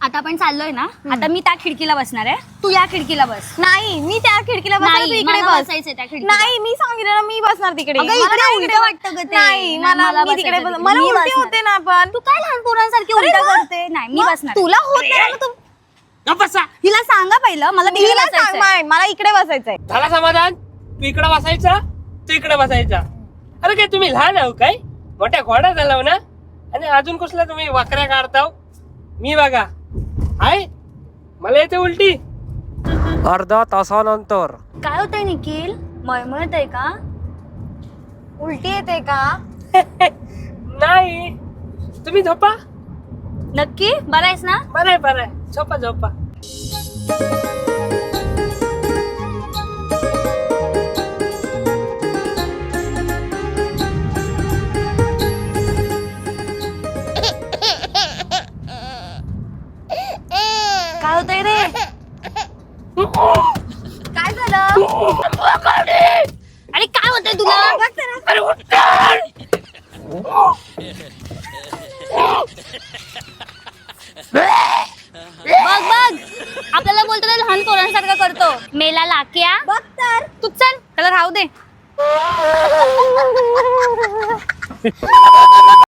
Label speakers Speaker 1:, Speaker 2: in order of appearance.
Speaker 1: आता आपण चाललोय ना, आता मी त्या खिडकीला बसणार आहे, तू या खिडकीला बस.
Speaker 2: नाही मी त्या खिडकीला बसणार, तू
Speaker 1: नाही,
Speaker 2: इकडे
Speaker 1: मला
Speaker 2: बस.
Speaker 1: बसायचंय त्या खिडकीला.
Speaker 2: नाही मी सांगितलं ना, मी बसणार तिकडे.
Speaker 1: अगं,
Speaker 2: मला
Speaker 1: इकडे
Speaker 2: नाही
Speaker 1: उलटं
Speaker 2: इकडे
Speaker 1: वाटतं गं ते.
Speaker 2: नाही
Speaker 1: मला
Speaker 2: मी तिकडे
Speaker 1: बसायचं
Speaker 2: मला
Speaker 1: मी
Speaker 2: उलटी
Speaker 1: बसणार.
Speaker 2: होते ना. पण
Speaker 1: तू काय लहान पोरांसारखी
Speaker 2: अरे
Speaker 1: उलटा
Speaker 2: वा.
Speaker 1: करते? नाही, मी
Speaker 2: मग
Speaker 1: बसणार.
Speaker 2: तुला होत नाही ना, तू
Speaker 3: बसा.
Speaker 1: हिला सांगा पहिलं, मला तिकडे
Speaker 2: तिला सांग,
Speaker 1: बसायचंय.
Speaker 2: मला इकडे बसायचंय.
Speaker 3: झाला समाधान? तू इकडे बसायचा, तू इकडे बसायचा. अरे काय तुम्ही लहान आहो काय? मोठ्या घोडा झाला ना, आणि अजून कसला तुम्ही वाकऱ्या काढताव? मी बघा हाय, मला येते उलटी. अर्धा तासानंतर
Speaker 1: काय होतंय निखिल? मळमळतंय का?
Speaker 2: उलटी येते का?
Speaker 3: नाही, तुम्ही झोपा.
Speaker 1: नक्की बरं आहेस ना?
Speaker 3: बरंय बरंय, झोपा झोपा.
Speaker 1: काय होतंय रे?
Speaker 2: काय झालं?
Speaker 1: अरे काय होतंय तुला?
Speaker 3: अरे उठ.
Speaker 1: बघ बघ, आपल्याला बोलतो ना लहान पोरांसारखं करतो. मेला लाक्या.
Speaker 2: बघ तर.
Speaker 1: तू चल, त्याला राहू दे.